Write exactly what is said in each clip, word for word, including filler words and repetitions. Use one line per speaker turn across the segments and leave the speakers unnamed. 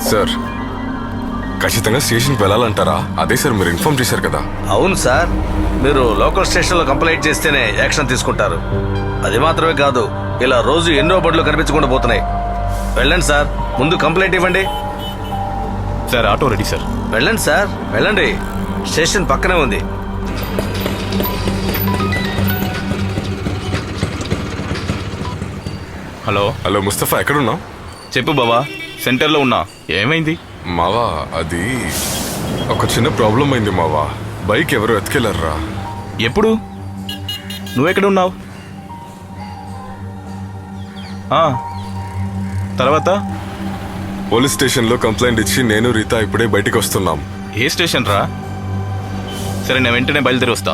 Sir ఖచ్చితంగా స్టేషన్కి వెళ్ళాలంటారా? అదే సార్ మీరు ఇన్ఫార్మ్ చేశారు కదా.
అవును సార్, మీరు లోకల్ స్టేషన్లో కంప్లైంట్ చేస్తేనే యాక్షన్ తీసుకుంటారు. అది మాత్రమే కాదు, ఇలా రోజు ఎన్నో బడులు కనిపించకుండా పోతున్నాయి. వెళ్ళండి సార్, ముందు కంప్లైంట్ ఇవ్వండి.
Sir auto ready sir.
వెళ్ళండి సార్, వెళ్ళండి. స్టేషన్ పక్కనే ఉంది.
హలో
హలో ముస్తఫా, ఎక్కడున్నావు?
చెప్పు బావా, సెంటర్లో ఉన్నా. ఏమైంది?
మావా అది ఒక చిన్న ప్రాబ్లం అయింది మావా. బైక్ ఎవరు ఎత్తుకెళ్ళారా?
ఎప్పుడు? నువ్వెక్కడ ఉన్నావు? తర్వాత
పోలీస్ స్టేషన్లో కంప్లైంట్ ఇచ్చి నేను రీతా ఇప్పుడే బయటికి వస్తున్నాం.
ఏ స్టేషన్ రా? సరే నేను వెంటనే బయలుదేరి వస్తా.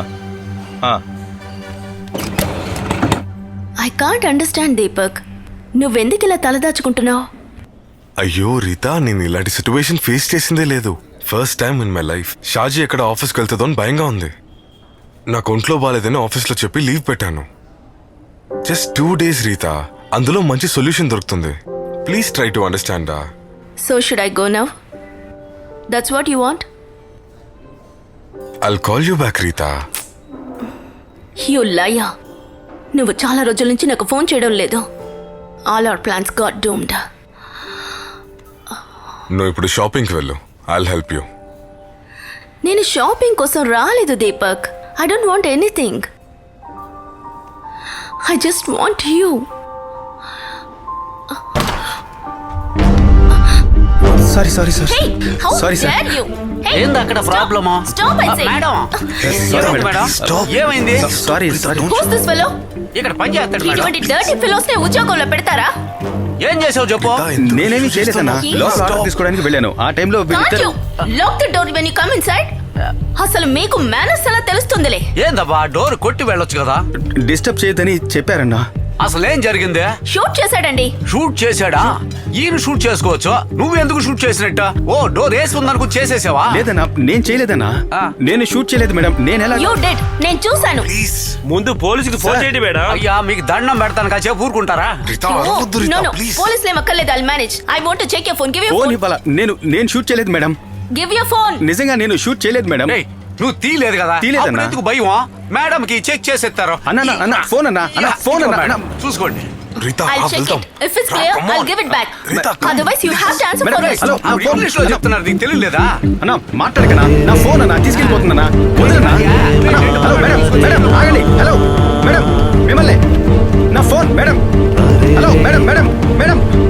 ఐ కాంట్ అండర్స్టాండ్ దీపక్, నువ్వెందుకు ఇలా తలదాచుకుంటున్నావు?
అయ్యో రీతా, నేను ఇలాంటి సిచ్యువేషన్ ఫేస్ చేసిందే లేదు. First time in my life. Shaji ఎక్కడ ఆఫీస్కి వెళ్తుందో అని భయంగా ఉంది. నాకు ఒంట్లో బాగాలేదని ఆఫీస్లో చెప్పి లీవ్ పెట్టాను. జస్ట్ టూ డేస్ రీతా, అందులో మంచి సొల్యూషన్ దొరుకుతుంది. Please try to understand.
So should I go now? That's what you want?
I'll call you back Rita.
You liar. నువ్వు చాలా రోజుల నుంచి నాకు ఫోన్ చేయడం లేదు. All our plans got doomed.
నువ్వు ఇప్పుడు షాపింగ్కి వెళ్ళు. I'll help you.
నేను షాపింగ్ కోసం రాలేదు Deepak. I don't want anything. I just want you.
Sorry sorry sir
Hey, how
sorry sir.
dare you? Hey,
ఏంది అక్కడ
stop.
ప్రాబ్లమా?
Stop, I say.
Madam
Sorry,
madam
Stop.
ఏమైంది?
Sorry sorry
Who's this fellow?
ఇక్కడ పని చేస్తాడు madam.
ఇటువంటి dirty fellows ని ఉద్యోగంలో పెడతారా?
ఏం చేసావు చెప్పు.
నేనేమి చేయలేదన్నా. లోపల ఆర్డర్ తీసుకోవడానికి వెళ్ళాను. ఆ టైంలో
Can't you lock the door when you come inside? అసలు మీకు మేనర్స్ ఎలా తెలుస్తుందిలే.
ఏందబ్బా డోర్ కొట్టి వెళ్ళొచ్చు కదా.
డిస్టర్బ్ చేయొద్దని చెప్పారన్నా.
అసలు ఏం జరిగింది?
షూట్ చేశాడండి.
షూట్ చేశాడా? ఈయన షూట్ చేసుకోవచ్చు, నువ్వు ఎందుకు షూట్ చేసినట్ట? ఓ డోర్ వేసి ఉందనుకో చేసేసావా?
లేదన్నా, నేను చేయలేదన్నా.
ఆ.
నేను షూట్ చేయలేదు మేడం. నేను ఎలా
You did. నేను చూశాను.
ముందు పోలీసుకి ఫోన్ చేయండి మేడం.
అయ్యా మీకు దండం పెడతాను కాసేపు ఊరుకుంటారా?
రీతా,
No,
అరవద్దు రీతా,
no, no.
ప్లీజ్.
పోలీసులు ఏం అక్కర్లేదు. I'll manage. I want to check your phone. Give your
phone
phone.
ఇవ్వాలా? నేను నేను షూట్ చేయలేదు మేడం.
Give your phone.
నిజంగా నేను షూట్ చేయలేదు మేడం.
ఏయ్, నువ్వు తీయలేదు కదా.
తీయలేదన్నా.
అప్పుడు ఎందుకు భయం? మేడం కి చెక్ చేసేస్తారు.
అన్నా అన్నా, అన్నా ఫోన్ అన్నా అన్నా ఫోన్ అన్నా అన్నా.
చూసుకోండి.
రీతా,
I'll
ఆ,
check
వెళ్దాం.
it. If it's clear,
Come on.
I'll give it back.
Rita, come.
Otherwise, you have to answer
Madam,
for it.
hello. ఆ, ఫోన్
ఇంగ్లీష్ లో చెప్తున్నారు, నీకు తెలియలేదా?
అన్నా మాట్లాడకనా. నా ఫోన్ అన్నా తీసుకెళ్ళిపోతుందన్నా. వదలన్నా. అన్నా, హలో మేడం మేడం ఆగండి. హలో మేడం మిమ్మల్ని. నా phone madam. Hello madam madam madam